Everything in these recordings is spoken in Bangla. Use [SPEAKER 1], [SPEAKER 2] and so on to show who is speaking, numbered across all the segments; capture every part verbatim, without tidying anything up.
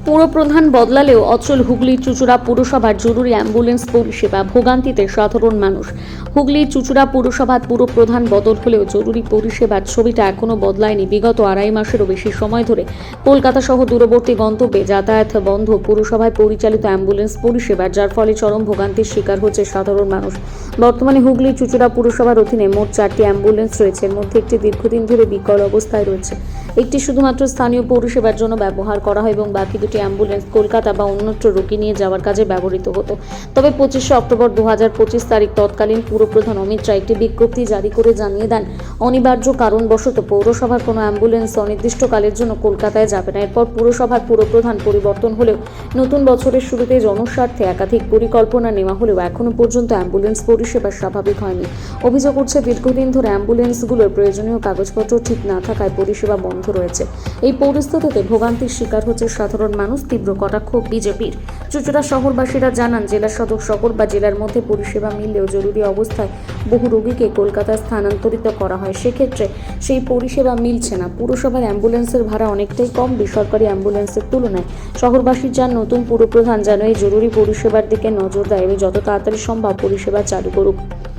[SPEAKER 1] পুরপ্রধান বদলালেও অচল হুগলির চুঁচুড়া পুরসভার জরুরি অ্যাম্বুলেন্স পরিষেবা, ভোগান্তিতে সাধারণ মানুষ। হুগলির চুঁচুড়া পুরসভার পুরপ্রধান বদল হলেও জরুরি পরিষেবার ছবিটা এখনও বদলায়নি। বিগত আড়াই মাসেরও বেশি সময় ধরে কলকাতা সহ দূরবর্তী গন্তব্যে যাতায়াত বন্ধ পুরসভায় পরিচালিত অ্যাম্বুলেন্স পরিষেবার, যার ফলে চরম ভোগান্তির শিকার হচ্ছে সাধারণ মানুষ। বর্তমানে হুগলির চুঁচুড়া পুরসভার অধীনে মোট চারটি অ্যাম্বুলেন্স রয়েছে। এর মধ্যে একটি দীর্ঘদিন ধরে বিকল অবস্থায় রয়েছে, একটি শুধুমাত্র স্থানীয় পরিষেবার জন্য ব্যবহার করা হয় এবং বাকি দুটি অ্যাম্বুলেন্স কলকাতা বা অন্যত্র রোগী নিয়ে যাওয়ার কাজে ব্যবহৃত হতো। তবে পঁচিশে অক্টোবর দু হাজার পঁচিশ তারিখ তৎকালীন পুরপ্রধান অমিত রায় একটি বিজ্ঞপ্তি জারি করে জানিয়ে দেন, অনিবার্য কারণবশত পৌরসভার কোনো অ্যাম্বুলেন্স অনির্দিষ্টকালের জন্য কলকাতায় যাবে না। এরপর পুরসভার পুরপ্রধান পরিবর্তন হলেও নতুন বছরের শুরুতে জনস্বার্থে একাধিক পরিকল্পনা নেওয়া হলেও এখনও পর্যন্ত অ্যাম্বুলেন্স পরিষেবা স্বাভাবিক হয়নি। অভিযোগ উঠছে, দীর্ঘদিন ধরে অ্যাম্বুলেন্সগুলোর প্রয়োজনীয় কাগজপত্র ঠিক না থাকায় পরিষেবা বন্ধ রয়েছে। এই পরিস্থিতিতে ভোগান্তির শিকার হচ্ছে সাধারণ মানুষ। তীব্র কটাক্ষ বিজেপির। চুঁচুড়া শহরবাসীরা জানান, জেলা সদর শহর বা জেলার মধ্যে পরিষেবা মিললেও জরুরি অবস্থায় বহু রোগীকে কলকাতায় স্থানান্তরিত করা হয়, সেক্ষেত্রে সেই পরিষেবা মিলছে না। পুরসভার অ্যাম্বুলেন্সের ভাড়া অনেকটাই কম বেসরকারি অ্যাম্বুলেন্সের তুলনায়। শহরবাসীর যান নতুন পুরপ্রধান যেন এই জরুরি পরিষেবার দিকে নজর দেয় এবং যত তাড়াতাড়ি সম্ভব পরিষেবা চালু করুক।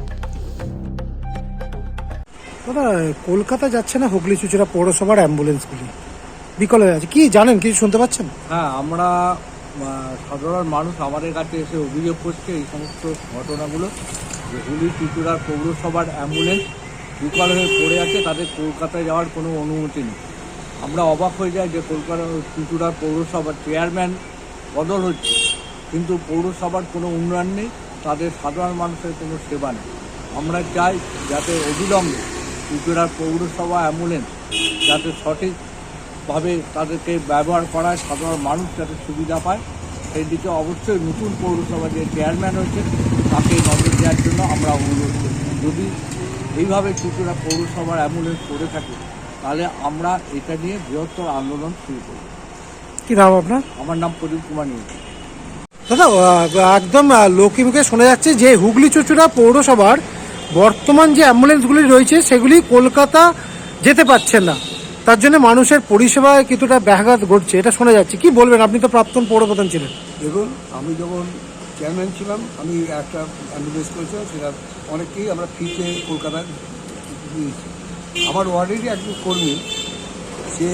[SPEAKER 2] দাদা, কলকাতা যাচ্ছে না হুগলি চুঁচুড়া পৌরসভার অ্যাম্বুলেন্সগুলি, বিকল হয়ে আছে, কি জানেন, কিছু শুনতে পাচ্ছেন?
[SPEAKER 3] হ্যাঁ, আমরা সাধারণ মানুষ আমাদের কাছে এসে অভিযোগ করছে এই সমস্ত ঘটনাগুলো, যে হুগলি চুঁচুড়ার পৌরসভার অ্যাম্বুলেন্স বিকল হয়ে পড়ে আছে, তাদের কলকাতায় যাওয়ার কোনো অনুমতি নেই। আমরা অবাক হয়ে যাই যে কলকাতা চুঁচুড়ার পৌরসভার চেয়ারম্যান বদল হচ্ছে, কিন্তু পৌরসভার কোনো উন্নয়ন নেই, তাদের সাধারণ মানুষের কোনো সেবা নেই। আমরা চাই যাতে অবিলম্বে চুঁচুড়ার পৌরসভা অ্যাম্বুলেন্স যাতে সঠিকভাবে তাদেরকে ব্যবহার করায়, সাধারণ মানুষ যাতে সুবিধা পায়, সেই দিকে অবশ্যই নতুন পৌরসভা যে চেয়ারম্যান হয়েছে তাকে নজর দেওয়ার জন্য আমরা অনুরোধ করি। যদি এইভাবে চুঁচুড়া পৌরসভার অ্যাম্বুলেন্স করে থাকে তাহলে আমরা এটা নিয়ে বৃহত্তর আন্দোলন শুরু করব।
[SPEAKER 2] কি নাম আপনার?
[SPEAKER 3] আমার নাম প্রদীপ কুমার নিয়োগ।
[SPEAKER 2] দাদা, একদম লোকে মুখে শোনা যাচ্ছে যে হুগলি চুঁচুড়া পৌরসভার বর্তমান যে অ্যাম্বুলেন্সগুলি রয়েছে সেগুলি কলকাতা যেতে পারছে না, তার জন্য মানুষের পরিষেবায় কিছুটা ব্যাঘাত ঘটছে, এটা শোনা যাচ্ছে। কি বলবেন? আপনি তো প্রাক্তন পৌরপ্রধান ছিলেন।
[SPEAKER 4] দেখুন, আমি যখন চেয়ারম্যান ছিলাম আমি একটা অ্যাম্বুলেন্স করেছিলাম, সেটা অনেককেই আমরা ফ্রিতে কলকাতায় দিয়েছি। আমার ওয়ার্ডেরই একজন কর্মী, সে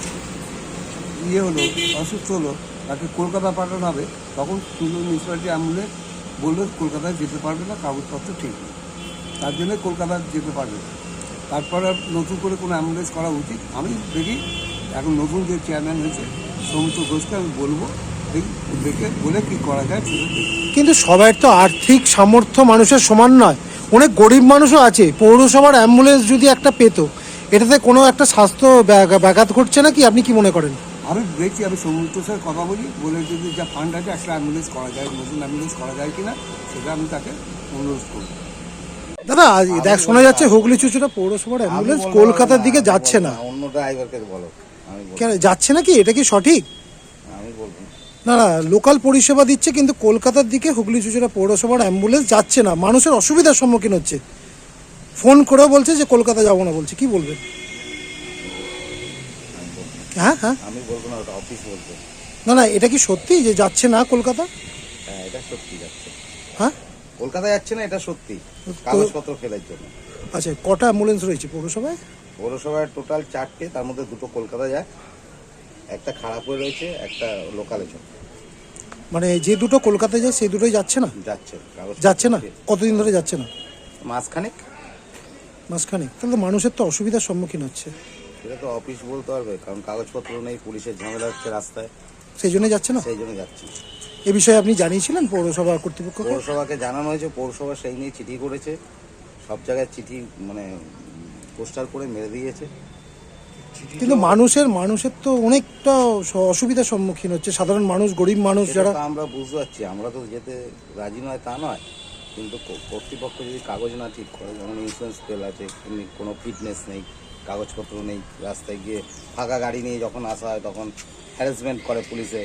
[SPEAKER 4] ইয়ে হলো, অসুস্থ হলো, তাকে কলকাতা পাঠানো হবে, তখন সুন্দর মিউনিসিপ্যালিটি অ্যাম্বুলেন্স বললো কলকাতায় যেতে পারবে না, কাগজপত্র ঠিক নেই, তার জন্য কলকাতা যেতে পারবে না। তারপরে নতুন করে কোনো অ্যাম্বুলেন্স করা উচিত। আমি দেখি এখন নতুন যে চেয়ারম্যান হয়েছে সৌমিত্র ঘোষকে আমি বলবো, দেখি দেখে বলে কী করা যায় সেটা দেখি।
[SPEAKER 2] কিন্তু সবার তো আর্থিক সামর্থ্য মানুষের সমান নয়, অনেক গরিব মানুষও আছে। পৌরসভার অ্যাম্বুলেন্স যদি একটা পেত, এটাতে কোনো একটা স্বাস্থ্য ব্যাঘাত ঘটছে না কি? আপনি কি মনে করেন?
[SPEAKER 4] আমি দেখছি, আমি সৌমিত্রের সাথে কথা বলি, বলে যদি যা ফান্ড আছে একটা অ্যাম্বুলেন্স করা যায়, নতুন অ্যাম্বুলেন্স করা যায় কিনা সেটা আমি তাকে অনুরোধ করব।
[SPEAKER 2] দাদা, দেখ, শোনা যাচ্ছে হুগলি চুঁচুড়া পৌরসভার অ্যাম্বুলেন্স কলকাতার দিকে যাচ্ছে না।
[SPEAKER 5] অন্য ড্রাইভারকে বলো।
[SPEAKER 2] কেন যাচ্ছে না? কি এটা কি সঠিক?
[SPEAKER 5] আমি বলবো
[SPEAKER 2] না না, লোকাল পরিষেবা দিচ্ছে কিন্তু কলকাতার দিকে হুগলি চুঁচুড়া পৌরসভার অ্যাম্বুলেন্স যাচ্ছে না, মানুষের অসুবিধার সম্মুখীন হচ্ছে। ফোন করেও বলছে যে কলকাতা যাবো না বলছে। কি বলবেন? হ্যাঁ হ্যাঁ
[SPEAKER 5] আমি বলবো না, ওটা অফিস বলছে।
[SPEAKER 2] না না, এটা কি সত্যি যে যাচ্ছে না কলকাতা?
[SPEAKER 5] হ্যাঁ, এটা সত্যি যাচ্ছে।
[SPEAKER 2] হ্যাঁ,
[SPEAKER 5] কলকাতা যাচ্ছে না, এটা সত্যি, কাগজপত্র ফেলার জন্য।
[SPEAKER 2] আচ্ছা, কটা অ্যাম্বুলেন্স রয়েছে পৌরসভায়?
[SPEAKER 5] পৌরসভার টোটাল চারটে, তার মধ্যে দুটো কলকাতা যায়, একটা খারাপ হয়ে রয়েছে, একটা লোকালে চলে।
[SPEAKER 2] মানে যে দুটো কলকাতায় যায় সেই দুটোই যাচ্ছে না?
[SPEAKER 5] যাচ্ছে,
[SPEAKER 2] যাচ্ছে না। কতদিন ধরে যাচ্ছে না?
[SPEAKER 5] মাসখানেক।
[SPEAKER 2] মাসখানেক। তাহলে মানুষের তো অসুবিধার সম্মুখীন হচ্ছে।
[SPEAKER 5] সেটা তো অফিস বলতে পারবে, কারণ কাগজপত্র নেই, পুলিশের ঝামেলা হচ্ছে রাস্তায়,
[SPEAKER 2] সেই জন্য যাচ্ছে না।
[SPEAKER 5] সেই জন্য যাচ্ছে।
[SPEAKER 2] এ বিষয়ে আপনি জানিয়েছিলেন পৌরসভা কর্তৃপক্ষকে?
[SPEAKER 5] পৌরসভাকে জানানো হয়েছে, পৌরসভা সেই নিয়ে চিঠি করেছে, সব জায়গায় চিঠি মানে পোস্টার করে মেরে দিয়েছে।
[SPEAKER 2] কিন্তু মানুষের মানুষের তো অনেকটা অসুবিধার সম্মুখীন হচ্ছে, সাধারণ মানুষ, গরিব মানুষ যারা।
[SPEAKER 5] আমরা বুঝতে পারছি, আমরা তো যেতে রাজি নয় তা নয়, কিন্তু কর্তৃপক্ষ যদি কাগজ না ঠিক করে, যেমন ইন্স্যুরেন্স ফেল আছে, কোনো ফিটনেস নেই, কাগজপত্র নেই, রাস্তায় গিয়ে ফাঁকা গাড়ি নিয়ে যখন আসা হয় তখন হ্যারাসমেন্ট করে পুলিশে।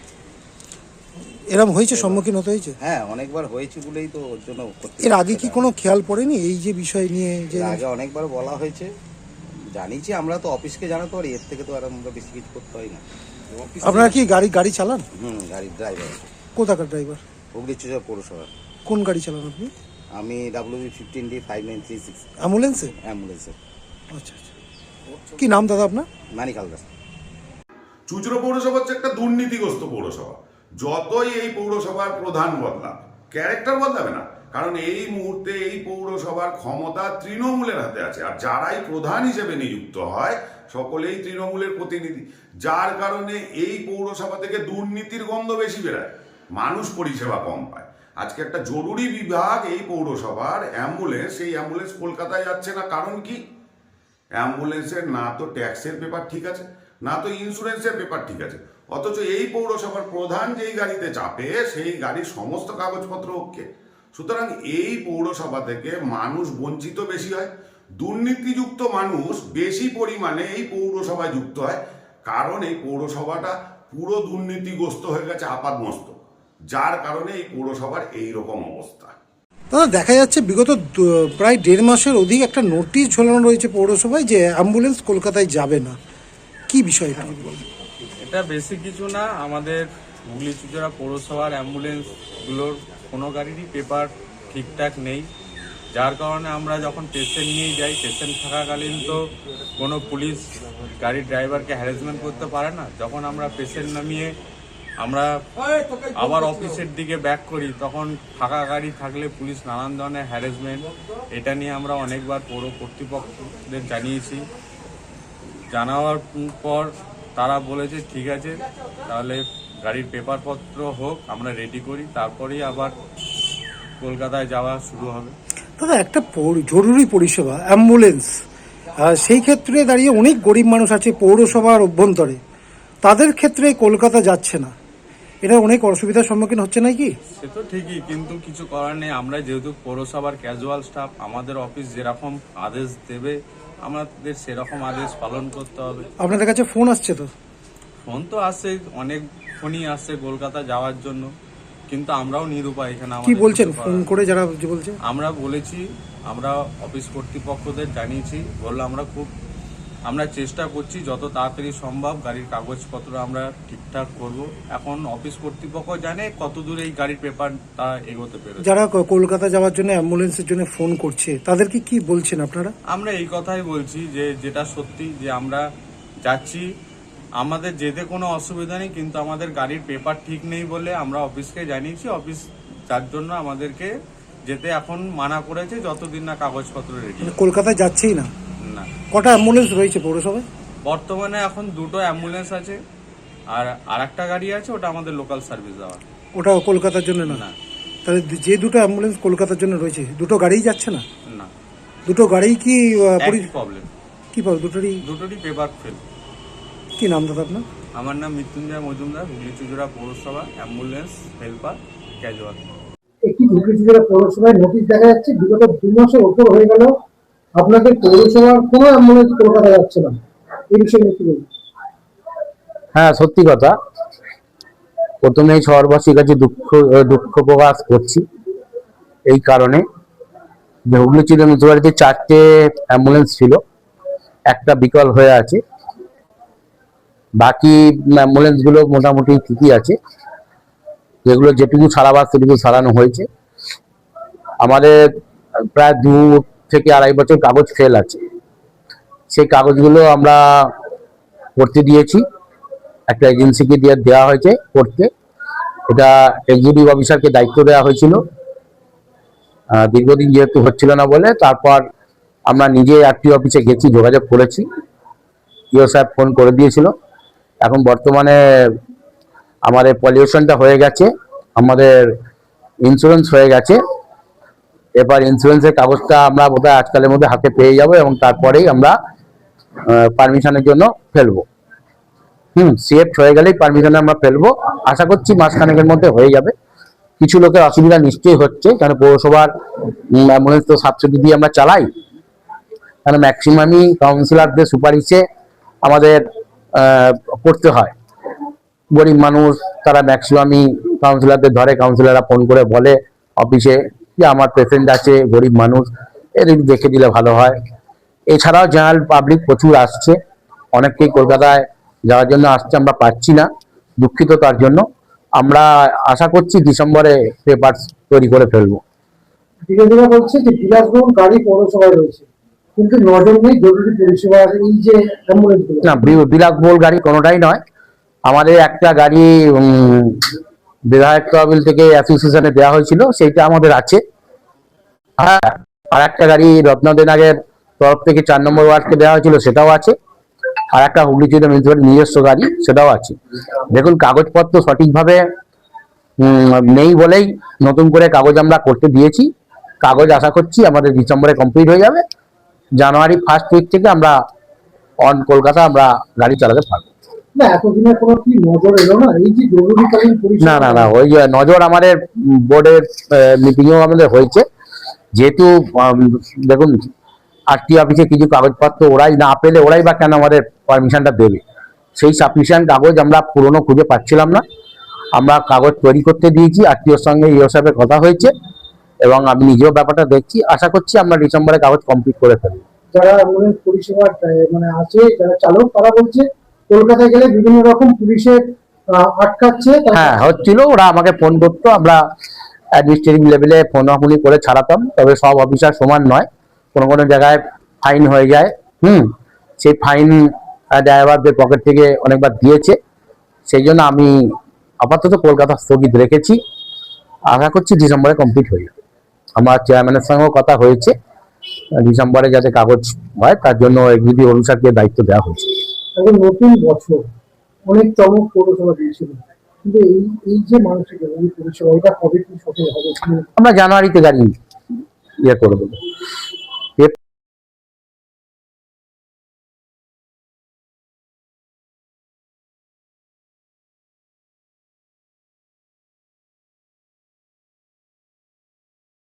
[SPEAKER 2] এরকম হয়েছে, সম্মুখীন হতে হয়েছে?
[SPEAKER 5] হ্যাঁ, অনেকবার হয়েছে বলেই তো ওর জন্য।
[SPEAKER 2] এর আগে কি কোনো খেয়াল পড়েনি এই যে বিষয় নিয়ে? যে
[SPEAKER 5] আগে অনেকবার বলা হয়েছে, জানিয়েছি, আমরা তো অফিসকে জানাতে পারি, এর থেকে তো আর আমরা বেশি কিছু করতে হয় না।
[SPEAKER 2] আপনারা কি গাড়ি গাড়ি চালান?
[SPEAKER 5] হুম, গাড়ির ড্রাইভার।
[SPEAKER 2] কোথাকার ড্রাইভার?
[SPEAKER 5] হুগলি চুচুড়া পৌরসভা।
[SPEAKER 2] কোন গাড়ি চালান আপনি?
[SPEAKER 5] আমি W B fifteen D five nine three six
[SPEAKER 2] অ্যাম্বুলেন্সে?
[SPEAKER 5] অ্যাম্বুলেন্সে।
[SPEAKER 2] আচ্ছা আচ্ছা। কি নাম দাদা আপনার?
[SPEAKER 5] মানিক হালদার।
[SPEAKER 6] চুচুড়া পৌরসভা হচ্ছে একটা দুর্নীতিগ্রস্ত পৌরসভা। যতই এই পৌরসভার প্রধান বদলাক, ক্যারেক্টার বদলাবে না, কারণ এই মুহূর্তে এই পৌরসভার ক্ষমতা তৃণমূলের হাতে আছে, আর যারাই প্রধান হিসেবে নিযুক্ত হয় সকলেই তৃণমূলের প্রতিনিধি, যার কারণে এই পৌরসভা থেকে দুর্নীতির গন্ধ বেশি বেরায়, মানুষ পরিষেবা কম পায়। আজকে একটা জরুরি বিভাগ এই পৌরসভার অ্যাম্বুলেন্স, এই অ্যাম্বুলেন্স কলকাতায় যাচ্ছে না, কারণ কি? অ্যাম্বুলেন্সের না তো ট্যাক্সের পেপার ঠিক আছে, না তো ইন্স্যুরেন্সের পেপার ঠিক আছে, অথচ এই পৌরসভার প্রধান যেই গাড়িতে চাপে সেই গাড়ির সমস্ত কাগজপত্র ওকে। সুতরাং এই পৌরসভা থেকে মানুষ বঞ্চিত বেশি হয়, দুর্নীতিযুক্ত মানুষ বেশি পরিমাণে এই পৌরসভায় যুক্ত হয়, কারণ এই পৌরসভাটা পুরো দুর্নীতিগ্রস্ত হয়ে গেছে আপাদমস্তক, যার কারণে এই পৌরসভার এইরকম অবস্থা।
[SPEAKER 2] দাদা, দেখা যাচ্ছে বিগত দু- প্রায় দেড় মাসের অধিক একটা নোটিশ ঝোলানো রয়েছে পৌরসভায় যে অ্যাম্বুলেন্স কলকাতায় যাবে না। কি বিষয় এটা যদি বলেন?
[SPEAKER 7] এটা বেশি কিছু না, আমাদের হুগলি চুচুড়া পৌরসভার অ্যাম্বুলেন্সগুলোর কোনো গাড়িরই পেপার ঠিকঠাক নেই, যার কারণে আমরা যখন পেশেন্ট নিয়ে যাই, পেশেন্ট থাকাকালীন তো কোনো পুলিশ গাড়ির ড্রাইভারকে হ্যারাসমেন্ট করতে পারে না। যখন আমরা পেশেন্ট নামিয়ে আমরা আবার অফিসের দিকে ব্যাক করি, তখন ফাঁকা গাড়ি থাকলে পুলিশ নানান ধরনের হ্যারাসমেন্ট, এটা নিয়ে আমরা অনেকবার পৌর কর্তৃপক্ষদের জানিয়েছি। জানাবার পর তারা বলেছে ঠিক আছে, তাহলে গাড়ির পেপারপত্র হোক, আমরা রেডি করি, তারপরেই আবার কলকাতায় যাওয়া শুরু হবে।
[SPEAKER 2] দাদা, একটা পৌর- জরুরি পরিষেবা অ্যাম্বুলেন্স, আহ, সেই ক্ষেত্রে দাঁড়িয়ে অনেক গরিব মানুষ আছে পৌরসভার অভ্যন্তরে, তাদের ক্ষেত্রে কলকাতা যাচ্ছে না, এটা অনেক অসুবিধার সম্মুখীন হচ্ছে নাকি?
[SPEAKER 7] সে তো ঠিকই, কিন্তু কিছু করার নেই। আমরা যেহেতু পৌরসভার ক্যাজুয়াল স্টাফ, আমাদের অফিস যেরকম আদেশ দেবে আমাদের সেরকম আদেশ পালন করতে হবে।
[SPEAKER 2] আপনাদের কাছে ফোন আসছে তো?
[SPEAKER 7] ফোন তো আসছে, অনেক ফোনই আসছে কলকাতা যাওয়ার জন্য, কিন্তু আমরাও নিরুপায় এখানে।
[SPEAKER 2] কি
[SPEAKER 7] আমাদের
[SPEAKER 2] বলছেন
[SPEAKER 7] কিছু করার
[SPEAKER 2] ফোন
[SPEAKER 7] নেই।
[SPEAKER 2] করে যারা যে বলছে?
[SPEAKER 7] আমরা বলেছি, আমরা অফিস কর্তৃপক্ষদের জানিয়েছি, বললো আমরা খুব আমরা চেষ্টা করছি যত তাড়াতাড়ি সম্ভব গাড়ির কাগজপত্র আমরা ঠিকঠাক করব। এখন অফিস কর্তৃপক্ষ জানে কত দূর এই গাড়ির পেপার তা এগোতে পেরেছে।
[SPEAKER 2] যারা ক- কলকাতা যাওয়ার জন্য অ্যাম্বুলেন্সের জন্য ফোন করছে তাদেরকে কি বলছেন আপনারা?
[SPEAKER 7] আমরা এই কথাই বলছি যে যেটা সত্যি, যে আমরা যাচ্ছি, আমাদের যেতে কোনো অসুবিধা নেই, কিন্তু আমাদের গাড়ির পেপার ঠিক নেই বলে আমরা অফিসকে জানিয়েছি। অফিস যার জন্য আমাদেরকে যেতে এখন মানা করেছে যতদিন না কাগজপত্র রেডি।
[SPEAKER 2] মানে কলকাতায় যাচ্ছেই না?
[SPEAKER 7] না,
[SPEAKER 2] কটা অ্যাম্বুলেন্স রয়েছে পৌরসভায়?
[SPEAKER 7] বর্তমানে এখন দুটো অ্যাম্বুলেন্স আছে, আর আরেকটা গাড়ি আছে, ওটা আমাদের লোকাল সার্ভিস দেওয়া।
[SPEAKER 2] ওটা কলকাতার জন্য না?
[SPEAKER 7] না
[SPEAKER 2] তাহলে যে দুটো অ্যাম্বুলেন্স কলকাতার জন্য রয়েছে, দুটো গাড়িই যাচ্ছে না?
[SPEAKER 7] না,
[SPEAKER 2] দুটো গাড়ি কি আহ, পরি-
[SPEAKER 7] একই প্রবলেম,
[SPEAKER 2] কি পাবো দুটোরই?
[SPEAKER 7] দুটোরই পেপার ফেল।
[SPEAKER 2] কি নাম দাদা আপনার?
[SPEAKER 7] আমার নাম মৃত্যুঞ্জয় মজুমদার, হুগলি চুচুড়া পৌরসভা অ্যাম্বুলেন্স হেল্পার ক্যাজুয়াল।
[SPEAKER 2] একটি হুগলি জেলা পৌরসভায় নোটিশ দেখা যাচ্ছে বিগত দু মাসের ওপর হয়ে গেল আপনাদের পৌরসভার কোনো অ্যাম্বুলেন্স কলকাতা যাচ্ছে না, এই বিষয়ে নিয়ে কি বলবেন?
[SPEAKER 8] হ্যাঁ, সত্যি কথা। প্রথমেই শহরবাসীর কাছে দুঃখ দুঃখ প্রকাশ করছি এই কারণে যে হুগলি চিড়ে মিউনিসিপ্যালিটিতে চারটে অ্যাম্বুলেন্স ছিল, একটা বিকল হয়ে আছে, বাকি অ্যাম্বুলেন্স গুলো মোটামুটি ঠিকই আছে, যেগুলো যেটুকু সারাবার সেটুকু সারানো হয়েছে। আমাদের প্রায় দু থেকে আড়াই বছর কাগজ ফেল আছে, সেই কাগজগুলো আমরা করতে দিয়েছি, একটা এজেন্সিকে দিয়ে দেওয়া হয়েছে করতে। এটা এক্সিকিউটিভ অফিসারকে দায়িত্ব দেওয়া হয়েছিল, আহ, দীর্ঘদিন যেহেতু হচ্ছিল না বলে তারপর আমরা নিজে আরটি অফিসে গেছি, যোগাযোগ করেছি, ইও সাহেব ফোন করে দিয়েছিল। এখন বর্তমানে আমাদের পলিউশনটা হয়ে গেছে, আমাদের ইন্স্যুরেন্স হয়ে গেছে, এবার ইন্স্যুরেন্সের কাগজটা আমরা বোধহয় আজকালের মধ্যে হাতে পেয়ে যাব এবং তারপরেই আমরা পারমিশনের জন্য ফেলবো। হুম সিএফ হয়ে গেলেই পারমিশনে আমরা ফেলবো, আশা করছি মাসখানেকের মধ্যে হয়ে যাবে। কিছু লোকের অসুবিধা নিশ্চয়ই হচ্ছে, কারণ পৌরসভার অ্যাম্বুলেন্স তো সাবসিডি দিয়ে আমরা চালাই, কারণ ম্যাক্সিমামই কাউন্সিলরদের সুপারিশে আমাদের করতে হয়। গরিব মানুষ তারা ম্যাক্সিমামই কাউন্সিলরদের ধরে, কাউন্সিলররা ফোন করে বলে অফিসে যে আমার পেশেন্ট আছে, গরিব মানুষ, এর দেখে দিলে ভালো হয়, এছাড়াও জেনারেল পাবলিক প্রচুর আসছে, অনেকেই কলকাতায় যাওয়ার জন্য আসছে, আমরা পাচ্ছি না, দুঃখিত তার জন্য। আমরা আশা করছি ডিসেম্বরে পেপার তৈরি করে ফেলবো।
[SPEAKER 2] বিরোধীরা বলছে যে বিলাসবহুল গাড়ি পৌরসভায় রয়েছে, কিন্তু নজর নেই জরুরি পরিষেবার এই যে অ্যাম্বুলেন্স গুলো।
[SPEAKER 8] না, বি- বিলাসবহুল গাড়ি কোনোটাই নয়। আমাদের একটা গাড়ি উম, বিধায়ক তহবিল থেকে অ্যাসোসিয়েশনে দেওয়া হয়েছিল, সেইটা আমাদের আছে। হ্যাঁ, আর একটা গাড়ি রত্নদেনাগের তরফ থেকে চার নম্বর ওয়ার্ডকে দেওয়া হয়েছিল, সেটাও আছে। আর একটা হুগলি জেলা মিউনিসিপ্যালিটির নিজস্ব গাড়ি, সেটাও আছে। দেখুন, কাগজপত্র সঠিকভাবে উম, নেই বলেই নতুন করে কাগজ আমরা করতে দিয়েছি। কাগজ আশা করছি আমাদের ডিসেম্বরে কমপ্লিট হয়ে যাবে। জানুয়ারি ফার্স্ট উইক থেকে আমরা অন কলকাতা আমরা গাড়ি চালাতে পারবো।
[SPEAKER 2] না, এতদিনের কোনো কি নজর এলো না এই যে জরুরিকালীন পরিষেবা?
[SPEAKER 8] না না না ওই যে নজর আমাদের বোর্ডের মিটিংও আমাদের হয়েছে। যেহেতু উম, দেখুন, আরটি অফিসে কিছু কাগজপত্র ওরাই না পেলে ওরাই বা কেন আমাদের পারমিশনটা দেবে? সেই সাফিসিয়েন্ট কাগজ আমরা পুরনো খুঁজে পাচ্ছিলাম না, আমরা কাগজ তৈরি করতে দিয়েছি। আরটিওর সঙ্গে ইও সাহেবের কথা হয়েছে এবং আমি নিজেও ব্যাপারটা দেখছি। আশা করছি আমরা ডিসেম্বরে কাগজ কমপ্লিট করে ফেলবো।
[SPEAKER 2] যারা অ্যাম্বুলেন্স পরিষেবা আহ, মানে আছে, যারা চালক, তারা বলছে কলকাতায় গেলে বিভিন্ন রকম পুলিশের আহ, আটকাচ্ছে। তারা-
[SPEAKER 8] হ্যাঁ, হচ্ছিল, ওরা আমাকে ফোন করতো, আমরা অ্যাডমিনিস্ট্রেটিভ লেভেলে ফোনাফোনি করে ছাড়াতাম। তবে সব অফিসার সমান নয়, কোনো কোনো জায়গায় ফাইন হয়ে যায়। হুম সেই ফাইন ড্রাইভারদের পকেট থেকে অনেকবার দিয়েছে। সেই জন্য আমি আপাতত কলকাতা স্থগিত রেখেছি। আশা করছি ডিসেম্বরে কমপ্লিট হয়ে যাবে। আমার চেয়ারম্যানের সঙ্গেও কথা হয়েছে, ডিসেম্বরে যাতে কাগজ হয় তার জন্য এক্সিকিউটিভ অফিসারকে দায়িত্ব দেওয়া হয়েছে।
[SPEAKER 2] এখন নতুন বছর, অনেক চমক পৌরসভা দিয়েছিল, কিন্তু এই এই যে মানুষের জরুরি পরিষেবা, এটা কবে কি সফল হবে?
[SPEAKER 8] আমরা জানুয়ারিতে গাড়ি ইয়ে করে দেবো।